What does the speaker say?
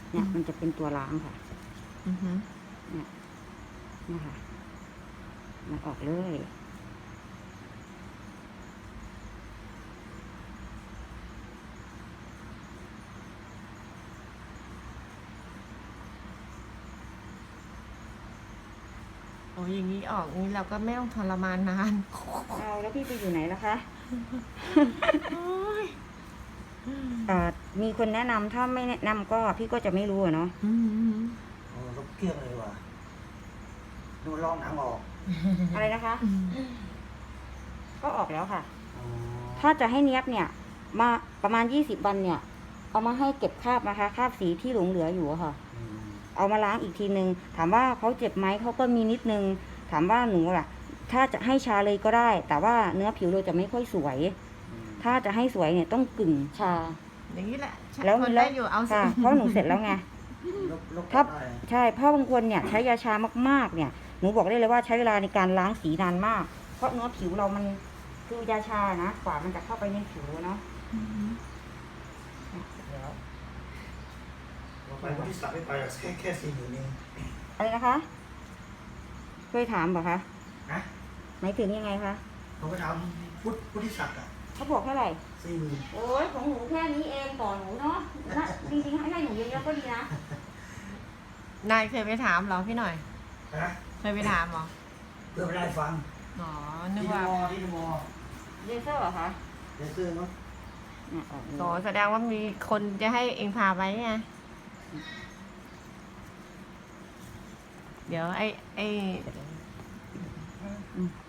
เนี่ยมันจะเป็นตัวล้างค่ะอือฮึเนี่ยนะคะมันออกเลยโอ้ยอย่างนี้ออกนี้เราก็ไม่ต้องทรมานนานเอาแล้วพี่ไปอยู่ไหนล่ะคะโอ้ยมีคนแนะนำถ้าไม่แนะนำก็พี่ก็จะไม่รู้อะเนาะอืมโอ้รถเกลี้ยงเลยว่ะดูลองหนังออกอะไรนะคะ ก็ออกแล้วค่ะอ๋อถ้าจะให้เนียบเนี่ย มาประมาณ20 วันเนี่ย เอามาให้เก็บคราบนะคะคราบสีที่หลงเหลืออยู่อะค่ะอืมเอามาล้างอีกทีนึง ถามว่าเขาเจ็บไหมเขาก็มีนิดนึง ถามว่าหนูล่ะ ถ้าจะให้ชาเลยก็ได้ แต่ว่าเนื้อผิวเราจะไม่ค่อยสวยอืมถ้าจะให้สวยเนี่ยต้องกึ่งชาอย่างนี้แหละแล้วคนแล้ได้วอยู่เอาสิค่ะ เพราะหนูเสร็จแล้วไงลบถ้าได้ใช่เพราะบางคนเนี่ยใช้ยาชามากๆเนี่ย หนูบอกได้เลยว่าใช้เวลาในการล้างสีนานมาก เพราะเนื้อผิวเรามันคือยาชานะกว่ามันจะเข้าไปในผิวเนาะอือฮึเนี่ยเสร็จแล้วเราไปบริษัทไม่ไปหรอกแค่40,000เองอะไรนะคะเคยถามเปล่าคะนะหมายถึงยังไงคะผมไปทำพุทธิศักดิ์อ่ะเขาบอกเท่าไหร่ 40,000 โอ้ยของหนูแค่นี้เองต่อหนูเนาะนะจริงๆให้หนูเยอะๆก็ดีนะนายเคยไปถามเหรอพี่หน่อยนะเคยไปถามเหรอเพื่อไม่ได้ฟังอ๋อ นึกที่ว่าที่มอเลเซอร์เหรอคะเลเซอร์เนาะเนี่ยออกเลยโอแสดงว่ามีคนจะให้เองพาไปไง เดี๋ยวไอ้อืม